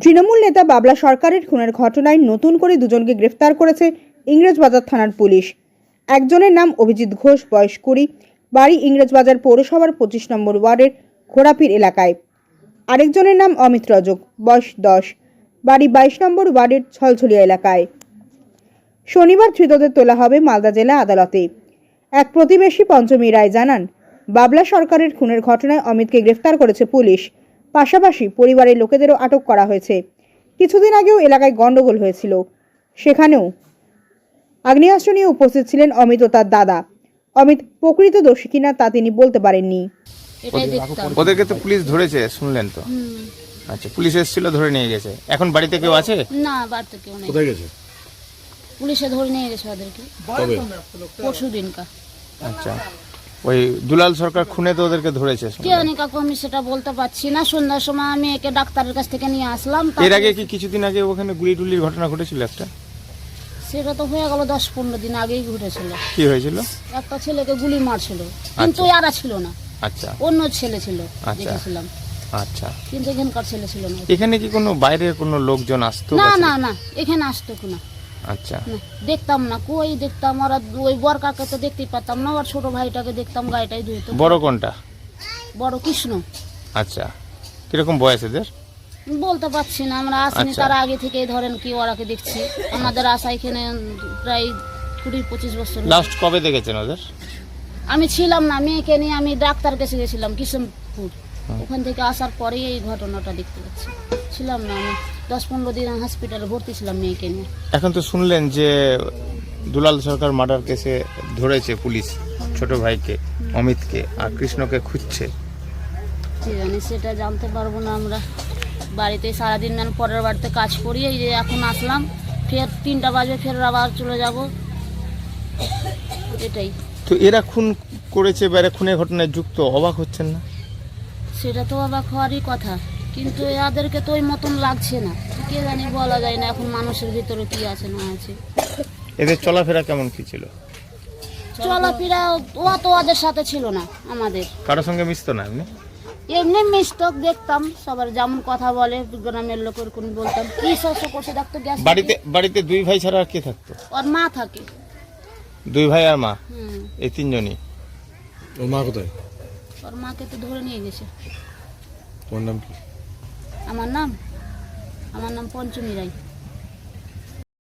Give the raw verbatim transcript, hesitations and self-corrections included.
তৃণমূল নেতা বাবলা সরকারের খুনের ঘটনায় নতুন করে দুজনকে গ্রেফতার করেছে ইংরেজবাজার থানার পুলিশ। একজনের নাম অভিজিৎ ঘোষ, বয়স কুড়ি, বাড়ি ইংরেজবাজার পৌরসভার পঁচিশ নম্বর ওয়ার্ডের ঘোড়াপীর এলাকায়। আরেকজনের নাম অমিত রজক, বয়স দশ, বাড়ি বাইশ নম্বর ওয়ার্ডের ছলছলিয়া এলাকায়। শনিবার ধৃতদের তোলা হবে মালদা জেলা আদালতে। এক প্রতিবেশী পঞ্চমী রায় জানান, বাবলা সরকারের খুনের ঘটনায় অমিতকে গ্রেফতার করেছে পুলিশ। পাশাপাশি পরিবারের লোকেদেরও আটক করা হয়েছে। কিছুদিন আগেও এলাকায় গন্ডগোল হয়েছিল, সেখানেও আগ্নেয়াস্ত্র নিয়ে উপস্থিত ছিলেন অমিত ও তার দাদা। অমিত প্রকৃত দোষী কিনা তা তিনি বলতে পারেননি। ওদেরকে তো পুলিশ ধরেছে শুনলেন তো? আচ্ছা, পুলিশ এসেছিল, ধরে নিয়ে গেছে। এখন বাড়িতে কেউ আছে? না, বাড়িতে কেউ নেই। কোথায় গেছে? পুলিশে ধরে নিয়ে গেছে ওদেরকে কবে? পরশু দিনকা। আচ্ছা, ওই দুলাল সরকার খুনে তো ওদেরকে ধরেছে কে জানি কাকু, আমি সেটা বলতে পারছি না। সন্ধ্যার সময় আমি একে ডাক্তারের কাছ থেকে নিয়ে আসলাম। এর আগে কি কিছুদিন আগে ওখানে গুলি টুলির ঘটনা ঘটেছিল একটা? সেটা তো হয়ে গেল দশ পনেরো দিন আগেই ঘটেছিল। কি হয়েছিল? একটা ছেলেকে গুলি মারছিল, কিন্তু এরা ছিল না। আচ্ছা, অন্য ছেলে ছিল, আচ্ছা। দেখেছিলাম। আচ্ছা, কিন্তু এখানকার ছেলে ছিল না। এখানে কি কোনো বাইরের কোনো লোকজন আসতো? না না না, এখানে আসতো না। আচ্ছা, না, দেখতাম না, কই দেখতাম। ওরা ওই বর কাকে তো দেখতেই পারতাম না, ওর ছোট ভাইটাকে দেখতাম, গাড়িটাই ধুইতো। বড় কোনটা? বড় কৃষ্ণ। আচ্ছা, কিরকম বয়স এদের? বলতে পারছি না, আমরা আসিনি আচ্ছা। তার আগে থেকেই ধরেন কি ওরাকে দেখছি। আমাদের আশা এখানে প্রায় কুড়ি পঁচিশ বছর। লাস্ট কবে দেখেছেন ওদের? আমি ছিলাম না, মেয়েকে নিয়ে আমি ডাক্তার কাছে গেছিলাম কিশোরপুর। ওখান থেকে আসার পরেই এই ঘটনাটা দেখতে পাচ্ছি। ছিলাম না, আমি দশ পনেরো দিন হসপিটালে ভর্তি ছিলাম মেয়েকে নিয়ে। এখন তো শুনলেন যে দুলাল সরকার মার্ডার কেসে ধরেছে পুলিশ ছোট ভাইকে অমিতকে, আর কৃষ্ণকে খুঁজছে। কি জানি, সেটা জানতে পারবো না আমরা। বাড়িতে সারাদিন আমি পরের বাড়িতে কাজ করি, এই যে এখন আসলাম, ফের তিনটা বাজে ফের আবার চলে যাব, এটাই। তো এরা খুন করেছে বা এরা খুনের ঘটনায় যুক্ত, অবাক হচ্ছেন না? সেটা তো অবাক হওয়ারই কথা, কিন্তু এদেরকে তো ওই মতন লাগছে না। কে জানি, বলা যায় না এখন মানুষের ভিতরে কি আছে না আছে। এদের চলাফেরা কেমন কি ছিল? চলাফেরা ও তো ওদের সাথে ছিল না আমাদের। কারোর সঙ্গে মিশতো না এমনি? এমনি মিস্টক দেখতাম, সবার যেমন কথা বলে গ্রামের লোকের কোন বলতাম কি শস্য করছে দেখতো। গ্যাস বাড়িতে বাড়িতে দুই ভাই ছাড়া আর কে থাকতো? ওর মা থাকে। দুই ভাই আর মা, হুম। এই তিনজনই। ওর মা কোথায়? ওর মাকে তো ধরে নিয়ে গেছে। তোমার নাম কি? আমার নাম আমার নাম পঞ্চমী রায়।